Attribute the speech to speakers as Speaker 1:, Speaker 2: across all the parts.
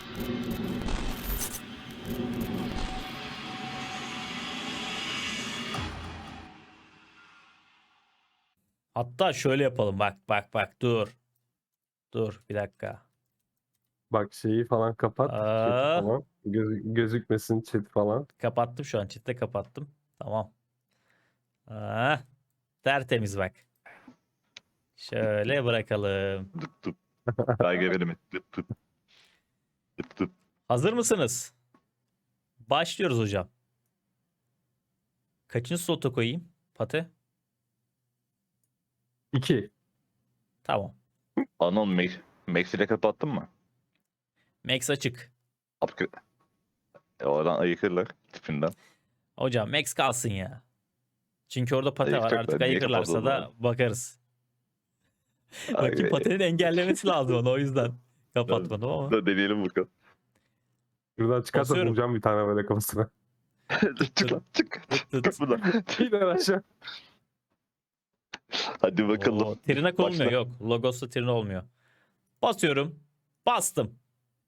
Speaker 1: Hatta şöyle yapalım. Bak dur. Dur bir dakika.
Speaker 2: Bak şeyi falan kapat. Chat'i
Speaker 1: Aa,
Speaker 2: falan. Gözükmesin chat falan.
Speaker 1: kapattım şu an. Chat'te kapattım. Tamam. Aa, tertemiz bak. Şöyle bırakalım.
Speaker 3: Dıp dıp. Belge verimi. Dıp dıp. Dıp dıp.
Speaker 1: Hazır mısınız? Başlıyoruz hocam. Kaçıncı slota koyayım? Pate?
Speaker 2: 2.
Speaker 1: Tamam.
Speaker 3: Anon Max ile kapattın mı?
Speaker 1: Max açık.
Speaker 3: Upgrade. Oradan ayıkırlar tipinden.
Speaker 1: Hocam Max kalsın ya. Çünkü orada pate var.
Speaker 3: Ayıkacaklar.
Speaker 1: Artık
Speaker 3: Niye
Speaker 1: ayıkırlarsa da
Speaker 3: kapatıldığını?
Speaker 1: bakarız. Bakayım
Speaker 3: Ay,
Speaker 1: patenin engellemesi lazım onu. O yüzden kapatmadım ama.
Speaker 3: da deneyelim bakalım.
Speaker 2: Şuradan çıkarsa
Speaker 1: Basıyorum.
Speaker 2: bulacağım bir tane böyle kafasına.
Speaker 3: Çık lan çık.
Speaker 1: Tıt tıt.
Speaker 3: Çık buradan.
Speaker 2: İner aşağı.
Speaker 3: Hadi bakalım.
Speaker 1: Oo, tırnak olmuyor.
Speaker 3: Başla.
Speaker 1: Yok. Logos'ta tırnak olmuyor. Basıyorum. Bastım.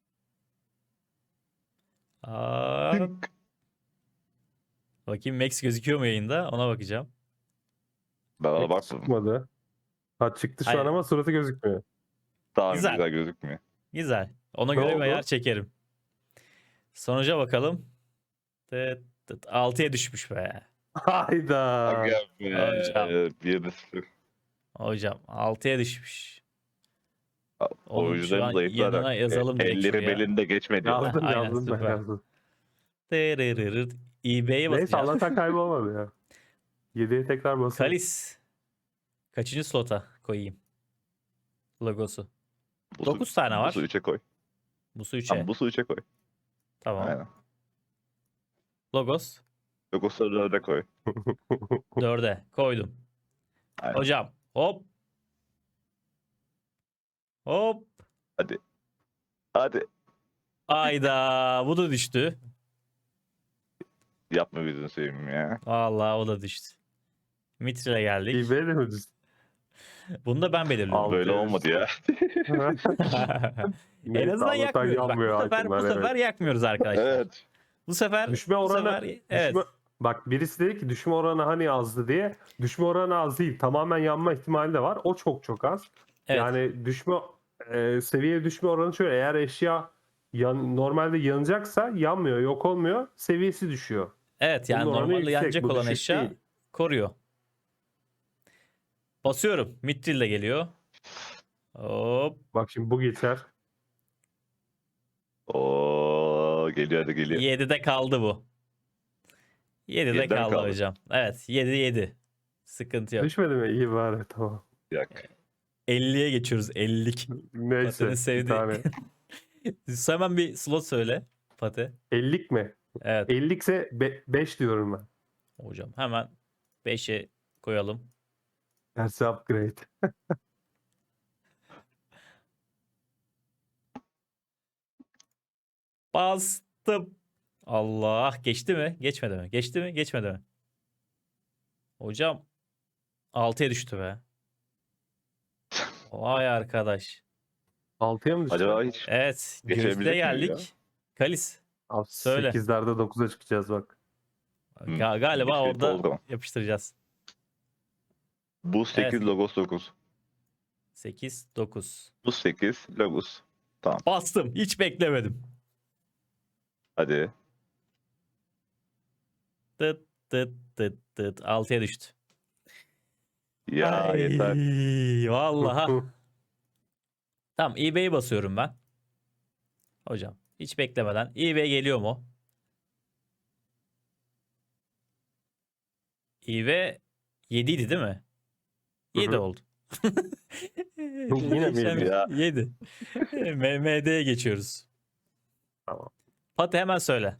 Speaker 1: Aa,
Speaker 3: Tınk.
Speaker 1: bakayım Max gözüküyor mu yayında? Ona bakacağım.
Speaker 3: Ben ona bakmadım.
Speaker 2: Çıkmadı. Ha çıktı şu
Speaker 1: Hayır.
Speaker 2: an ama suratı gözükmüyor.
Speaker 3: Daha
Speaker 1: Güzel.
Speaker 3: güzel gözükmüyor.
Speaker 1: Güzel. Ona
Speaker 2: Ne
Speaker 1: göre bir
Speaker 2: oldu?
Speaker 1: ayar çekerim. Sonuca bakalım. 6'ya düşmüş be.
Speaker 2: Hayda.
Speaker 3: Aga be.
Speaker 1: Hocam.
Speaker 3: 1-0.
Speaker 1: Hocam 6'ya düşmüş. Onun şu
Speaker 3: Oyuncuların
Speaker 1: an
Speaker 3: zayıflarak.
Speaker 1: yanına yazalım direkt
Speaker 3: Elleri
Speaker 1: şuraya.
Speaker 3: belinde geçmedi.
Speaker 2: Yazdım
Speaker 1: Aynen,
Speaker 2: yazdım ben
Speaker 1: süper.
Speaker 2: yazdım.
Speaker 1: Tırırırır. eBay'e
Speaker 2: Neyse
Speaker 1: basacağım.
Speaker 2: Allah'tan kaybolmadı ya. 7'ye tekrar basalım.
Speaker 1: Kalis. Kaçıncı slota koyayım? Logosu. 9 tane var.
Speaker 3: Busu 3'e koy.
Speaker 1: Busu 3'e.
Speaker 3: Tamam Busu 3'e koy.
Speaker 1: Tamam.
Speaker 3: Aynen.
Speaker 1: Logos
Speaker 3: Logos'u 4'e koy.
Speaker 1: 4'e koydum.
Speaker 3: Aynen.
Speaker 1: Hocam hop. Hop.
Speaker 3: Hadi. Hadi.
Speaker 1: Ayda bu da düştü.
Speaker 3: Yapma bizden seveyim ya.
Speaker 1: Vallahi o da düştü. Mitril'e geldik.
Speaker 2: eBay'de mi düz?
Speaker 1: Bunu da ben belirliyorum.
Speaker 2: Al.
Speaker 3: Böyle olmadı ya.
Speaker 1: En
Speaker 2: Neyse,
Speaker 1: azından
Speaker 2: Allah'tan
Speaker 1: yakmıyoruz. Bak,
Speaker 2: yanmıyor
Speaker 1: bu sefer,
Speaker 2: itemler, evet.
Speaker 1: yakmıyoruz arkadaşlar.
Speaker 3: Evet.
Speaker 1: Bu sefer
Speaker 2: Düşme
Speaker 1: bu
Speaker 2: oranı
Speaker 1: sefer, evet.
Speaker 2: Bak birisi dedi ki düşme oranı hani azdı diye. Düşme oranı az değil. Tamamen yanma ihtimali de var. O çok çok az.
Speaker 1: Evet.
Speaker 2: Yani seviye düşme oranı şöyle. Eğer eşya normalde yanacaksa yanmıyor, yok olmuyor. Seviyesi düşüyor.
Speaker 1: Evet yani
Speaker 2: Bunun oranı
Speaker 1: normalde
Speaker 2: yüksek,
Speaker 1: yanacak
Speaker 2: bu
Speaker 1: olan
Speaker 2: düşük
Speaker 1: eşya
Speaker 2: değil.
Speaker 1: koruyor. Basıyorum. Mitril de geliyor. Hop.
Speaker 2: Bak şimdi bu geçer.
Speaker 3: Oo geliyor hadi geliyor.
Speaker 1: 7'de kaldı bu. 7'de
Speaker 3: 7'de mi
Speaker 1: kaldı
Speaker 3: kaldı?
Speaker 1: hocam. Evet 7. Sıkıntı yok.
Speaker 2: Düşmedi mi? İyi bari tamam.
Speaker 3: Yak.
Speaker 1: 50'ye geçiyoruz. 50'lik.
Speaker 2: Neyse
Speaker 1: Pate'nin
Speaker 2: bir
Speaker 1: sevdiği.
Speaker 2: tane.
Speaker 1: Hemen bir slot söyle. Pate.
Speaker 2: 50'lik mi?
Speaker 1: Evet.
Speaker 2: 50'lik ise 5 diyorum ben.
Speaker 1: Hocam hemen 5'e koyalım.
Speaker 2: Tersi upgrade.
Speaker 1: Bastım. Allah. Geçti mi? Geçmedi mi? Geçti mi? Geçmedi mi? Hocam 6'ya düştü be. Vay arkadaş.
Speaker 2: 6'ya mı düştü?
Speaker 3: Acaba hiç
Speaker 1: Evet.
Speaker 3: Geçebilecek
Speaker 1: Gözde
Speaker 3: miyiz ya?
Speaker 1: geldik. Kalis.
Speaker 2: Abi,
Speaker 1: Söyle.
Speaker 2: 8'lerde 9'a çıkacağız bak.
Speaker 1: Galiba
Speaker 3: bir şey
Speaker 1: orada
Speaker 3: oldu.
Speaker 1: yapıştıracağız.
Speaker 3: Bu 8
Speaker 1: Evet.
Speaker 3: Logos 9.
Speaker 1: 8, 9.
Speaker 3: Bu 8 Logos.
Speaker 1: Bastım. Hiç beklemedim.
Speaker 3: Hadi.
Speaker 1: Tıt tıt tıt tıt. 6'ya düştü.
Speaker 3: Ya
Speaker 1: Ay,
Speaker 3: yeter.
Speaker 1: vallahi. Tamam eBay'e basıyorum ben. Hocam hiç beklemeden. eBay geliyor mu? eBay 7 idi değil mi? 7
Speaker 2: Hı.
Speaker 1: oldu.
Speaker 2: Yine mi yedi
Speaker 3: ya?
Speaker 1: 7. MMD'ye geçiyoruz.
Speaker 2: Tamam.
Speaker 1: Pati hemen söyle.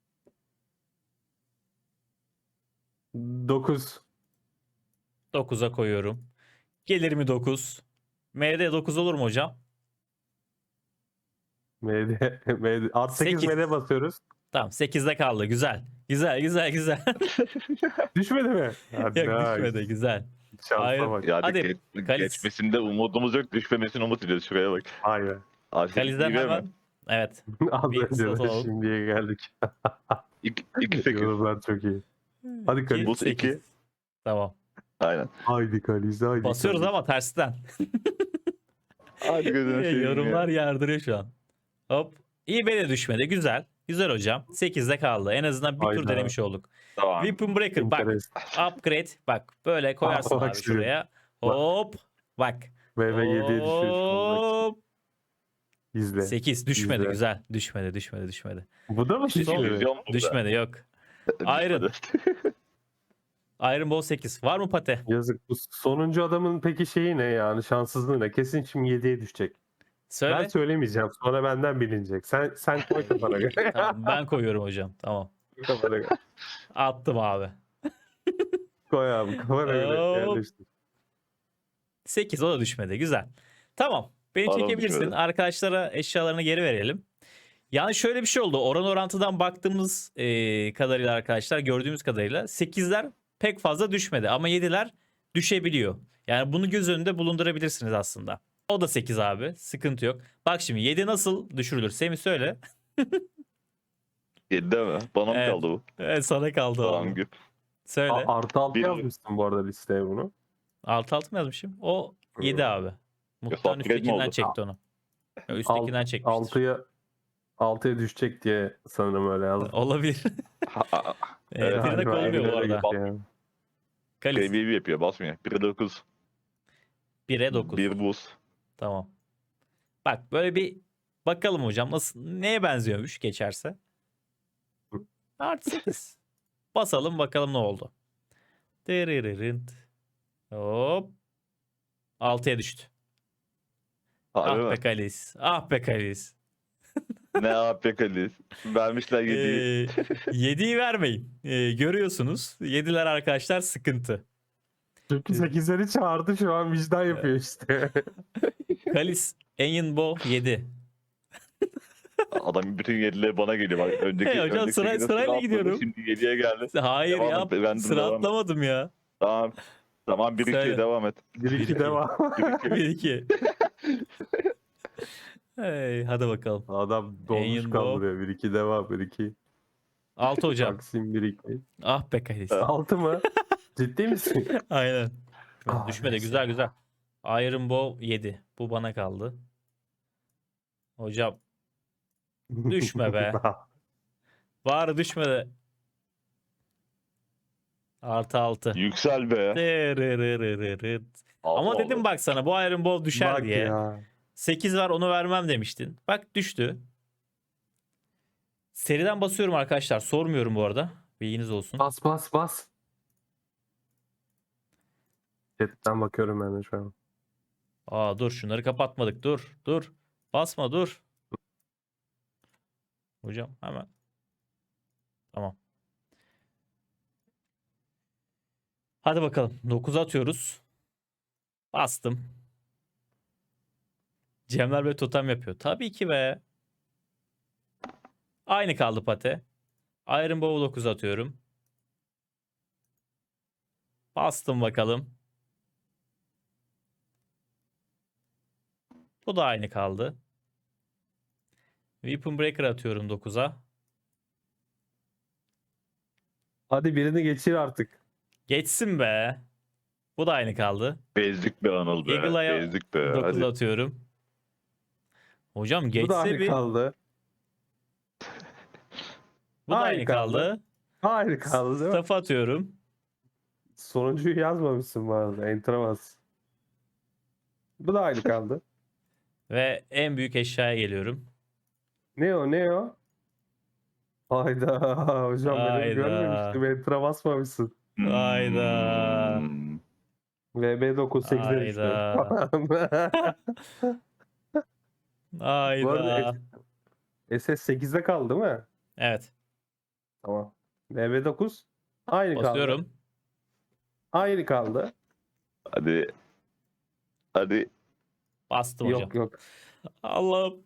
Speaker 2: 9.
Speaker 1: 9'a koyuyorum. Gelir mi 9? MD 9 olur mu hocam?
Speaker 2: Art 8
Speaker 1: 8.
Speaker 2: MD basıyoruz.
Speaker 1: Tamam 8'de kaldı. Güzel. Güzel.
Speaker 2: Düşmedi mi?
Speaker 1: Yok
Speaker 2: Hadi,
Speaker 1: düşmedi. Güzel.
Speaker 2: Şansa
Speaker 1: Hayır.
Speaker 2: bak.
Speaker 3: Yani
Speaker 1: Hadi, Kalis.
Speaker 3: geçmesinde umudumuz yok. Düşmemesini umut ediyoruz. Şuraya bak.
Speaker 2: Aynen.
Speaker 3: Artık
Speaker 1: Kaliz'den
Speaker 3: iyi mi?
Speaker 1: hemen Evet.
Speaker 2: Az
Speaker 1: Bir
Speaker 2: önce
Speaker 1: slot
Speaker 2: de
Speaker 1: alalım.
Speaker 2: şimdiye geldik.
Speaker 3: 2 8.
Speaker 2: Yorumlar çok iyi. Hadi Kalis.
Speaker 3: Buz 2.
Speaker 1: Tamam.
Speaker 3: Aynen.
Speaker 2: Haydi Kalis, haydi
Speaker 1: Basıyoruz
Speaker 2: Kalis.
Speaker 1: ama tersten.
Speaker 3: Hadi gözünü seveyim
Speaker 1: Yorumlar
Speaker 3: ya.
Speaker 1: yardırıyor şu an. Hop. İyi be de düşmedi. Güzel. Güzel hocam. 8'de kaldı. En azından bir tur
Speaker 2: Hayda.
Speaker 1: denemiş olduk.
Speaker 3: Tamam.
Speaker 1: Weapon Breaker bak.
Speaker 2: Interes.
Speaker 1: Upgrade. Bak böyle koyarsın
Speaker 2: bak
Speaker 1: abi
Speaker 2: şimdi.
Speaker 1: şuraya. Hop. Bak.
Speaker 2: VV7'ye düşüyor.
Speaker 1: Hop.
Speaker 2: İzle.
Speaker 1: 8 düşmedi.
Speaker 2: İzle.
Speaker 1: Güzel. Düşmedi.
Speaker 2: Bu da mı
Speaker 1: Son-
Speaker 2: düşmedi?
Speaker 3: Vizyon burada.
Speaker 1: Düşmedi yok. Iron. Iron Ball 8. Var mı pate?
Speaker 2: Yazık. Bu sonuncu adamın peki şeyi ne yani? Şanssızlığı ne? Kesin şimdi 7'ye düşecek.
Speaker 1: Söyle.
Speaker 2: Ben söylemeyeceğim. Sonra benden bilinecek. Sen koy kafana göre.
Speaker 1: Tamam, ben koyuyorum hocam. Tamam.
Speaker 2: Kafana göre.
Speaker 1: Attım abi.
Speaker 2: Koy abi kafana göre.
Speaker 1: Hop.
Speaker 2: Yerleştir.
Speaker 1: 8 o da düşmedi. Güzel. Tamam. Beni
Speaker 3: Adam
Speaker 1: çekebilirsin.
Speaker 3: düşmedi.
Speaker 1: Arkadaşlara eşyalarını geri verelim. Yani şöyle bir şey oldu. Oran orantıdan baktığımız kadarıyla arkadaşlar gördüğümüz kadarıyla 8'ler pek fazla düşmedi. Ama 7'ler düşebiliyor. Yani bunu göz önünde bulundurabilirsiniz aslında. O da 8 abi. Sıkıntı yok. Bak şimdi 7 nasıl düşürülür? Semih söyle.
Speaker 3: 7 değil mi? Bana mı
Speaker 1: Evet.
Speaker 3: kaldı bu?
Speaker 1: Evet, sana kaldı o.
Speaker 3: Tamam güp.
Speaker 1: Söyle.
Speaker 2: Artı 6
Speaker 3: Bir-
Speaker 2: yazmışsın bu arada listeye bunu.
Speaker 1: Altı altı mı yazmışım? O 7 abi. Muhtemelen
Speaker 3: upgrade mi
Speaker 1: üsttekinden
Speaker 3: oldu?
Speaker 1: çekti onu. Ya, üsttekinden çekmiştir.
Speaker 2: 6'ya düşecek diye sanırım öyle yazdım.
Speaker 1: Olabilir.
Speaker 3: Evet,
Speaker 1: Birine
Speaker 2: Galiba
Speaker 1: olmuyor bu
Speaker 2: öyle
Speaker 1: arada.
Speaker 2: gitti yani.
Speaker 1: Kalis.
Speaker 3: KBB yapıyor basmıyor. 1'e 9.
Speaker 1: 1'e 9.
Speaker 3: 1 buz.
Speaker 1: Tamam. Bak böyle bir bakalım hocam nasıl neye benziyormuş geçerse. Artı 8. Basalım bakalım ne oldu. Dırırırınt. Hop. 6'ya düştü.
Speaker 3: Harbi
Speaker 1: Ah
Speaker 3: mi?
Speaker 1: be Kalis. Ah be Kalis.
Speaker 3: Ne AP Kalis? Vermişler 7'yi.
Speaker 1: 7'yi vermeyin. Görüyorsunuz. 7'ler arkadaşlar sıkıntı.
Speaker 2: Çünkü 8'leri çağırdı şu an vicdan yapıyor işte.
Speaker 1: Kalis Enyinbo 7.
Speaker 3: Adam bütün 7'leri bana geliyor. Bak, önceki,
Speaker 1: Hey hocam,
Speaker 3: önceki
Speaker 1: sıra-
Speaker 3: sekizde
Speaker 1: sırayla
Speaker 3: atladı,
Speaker 1: gidiyorum.
Speaker 3: Şimdi 7'ye geldi.
Speaker 1: Hayır
Speaker 3: Devam
Speaker 1: ya.
Speaker 3: et, ben de
Speaker 1: Sıra
Speaker 3: devam et.
Speaker 1: atlamadım ya.
Speaker 3: Tamam. Tamam 1
Speaker 1: Söyle.
Speaker 3: 2'ye devam et.
Speaker 2: 1-2 devam.
Speaker 1: 1-2. Hey, hadi bakalım.
Speaker 2: Adam dolmuş
Speaker 1: Yayın
Speaker 2: kaldırıyor. 1-2 devam. 1-2.
Speaker 1: 6 hocam.
Speaker 2: Taksim 1-2.
Speaker 1: Ah be Kalis.
Speaker 2: 6 mı? Ciddi misin?
Speaker 1: Aynen.
Speaker 2: Ah,
Speaker 1: Düşmedi.
Speaker 2: neyse.
Speaker 1: Güzel güzel. Iron Bow 7. Bu bana kaldı. Hocam düşme be. Var düşme. Artı 6.
Speaker 3: Yüksel be.
Speaker 1: Ama
Speaker 3: Allah
Speaker 1: dedim
Speaker 3: Allah.
Speaker 1: bak sana bu Iron Bow düşer
Speaker 2: Bak
Speaker 1: diye.
Speaker 2: ya.
Speaker 1: 8 var onu vermem demiştin. Bak düştü. Seriden basıyorum arkadaşlar. Sormuyorum bu arada. Bilginiz olsun.
Speaker 2: Bas bas bas. Chatten bakıyorum ben de şu an.
Speaker 1: Dur şunları kapatmadık. Dur. Basma dur. Hocam hemen. Tamam. Hadi bakalım. 9 atıyoruz. Bastım. Cemler böyle totem yapıyor. Tabii ki be. Aynı kaldı pate. Iron Bow 9 atıyorum. Bastım bakalım. Bu da aynı kaldı. Weapon Breaker atıyorum 9'a.
Speaker 2: Hadi birini geçir artık.
Speaker 1: Geçsin be. Bu da aynı kaldı.
Speaker 3: Bezdik be Anıl be.
Speaker 1: Eagle'a
Speaker 3: Bezdik be.
Speaker 1: 9
Speaker 3: Hadi.
Speaker 1: atıyorum. Hocam
Speaker 2: Bu da
Speaker 1: geçse
Speaker 2: aynı
Speaker 1: bir.
Speaker 2: kaldı.
Speaker 1: Bu da
Speaker 2: Aynı
Speaker 1: aynı
Speaker 2: kaldı.
Speaker 1: kaldı.
Speaker 2: Aynı kaldı değil mi?
Speaker 1: Staff atıyorum.
Speaker 2: Sonuncuyu yazmamışsın bu arada. Enter'a bas. Bu da aynı kaldı.
Speaker 1: Ve en büyük eşyaya geliyorum.
Speaker 2: Ne o ne o? Hayda hocam benim
Speaker 1: Hayda.
Speaker 2: görmemiştim. Enter'a basmamışsın.
Speaker 1: Hayda.
Speaker 3: Hmm.
Speaker 2: VB9 8'e düştü. Bu arada
Speaker 1: Hayda.
Speaker 2: SS 8'de kaldı değil mi?
Speaker 1: Evet.
Speaker 2: Tamam. VB9 aynı kaldı.
Speaker 1: Basıyorum.
Speaker 2: Aynı kaldı.
Speaker 3: Hadi. Hadi.
Speaker 1: Bastım hocam.
Speaker 2: Yok yok.
Speaker 1: Allah'ım.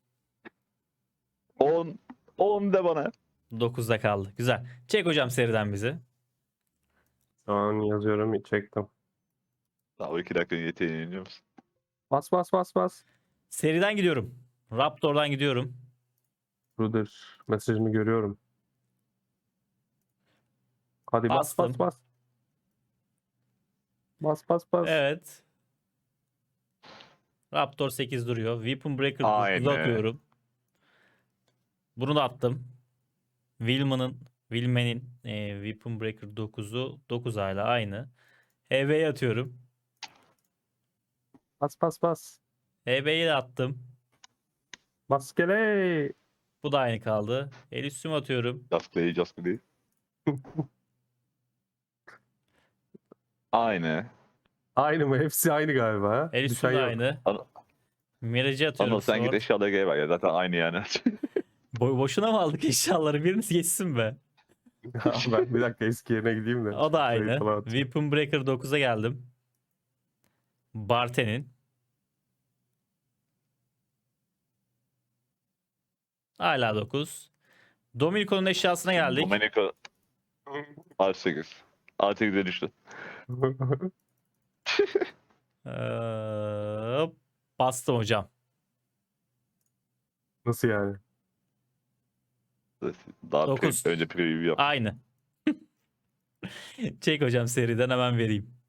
Speaker 3: 10. 10 de bana.
Speaker 1: 9'da kaldı. Güzel. Çek hocam seriden bizi.
Speaker 2: Şu an yazıyorum. Çektim.
Speaker 3: Daha 2 dakika yeteneğini iniyor musun?
Speaker 2: Bas bas bas bas.
Speaker 1: Seriden gidiyorum. Raptor'dan gidiyorum.
Speaker 2: Ruder mesajını görüyorum. Hadi bas
Speaker 1: Bastım.
Speaker 2: bas bas. Bas bas bas.
Speaker 1: Evet. Raptor 8 duruyor. Weapon Breaker 9'u
Speaker 3: Aynı.
Speaker 1: atıyorum. Bunu da attım. Willman'in Weapon Breaker 9'u 9 hala aynı. HB'yi atıyorum.
Speaker 2: Bas bas bas.
Speaker 1: HB'yi de attım.
Speaker 2: Maskele.
Speaker 1: Bu da aynı kaldı. El üstüme atıyorum.
Speaker 3: Just play, just play. Aynı.
Speaker 2: Aynı mı? Hepsi aynı galiba. Ha?
Speaker 1: El
Speaker 2: Düşen
Speaker 1: üstüme de
Speaker 2: yok.
Speaker 1: aynı.
Speaker 3: An-
Speaker 1: Mirage'i atıyorum.
Speaker 3: Anıl sen git
Speaker 1: Sword.
Speaker 3: eşyalara gel bak ya. Zaten aynı yani.
Speaker 1: Boşuna mı aldık eşyaları? Biriniz geçsin be.
Speaker 2: Ben bir dakika eski yerine gideyim de.
Speaker 1: O da
Speaker 2: Şurayı
Speaker 1: aynı.
Speaker 2: falan at.
Speaker 1: Weapon Breaker 9'a geldim. Barten'in. Hala 9. Dominico'nun eşyasına geldik.
Speaker 3: Domenico R8. R8'e düştü.
Speaker 1: Bastım hocam.
Speaker 2: Nasıl yani?
Speaker 3: Daha
Speaker 1: Dokuz.
Speaker 3: önce preview yap.
Speaker 1: Aynı. Çek hocam seriden hemen vereyim.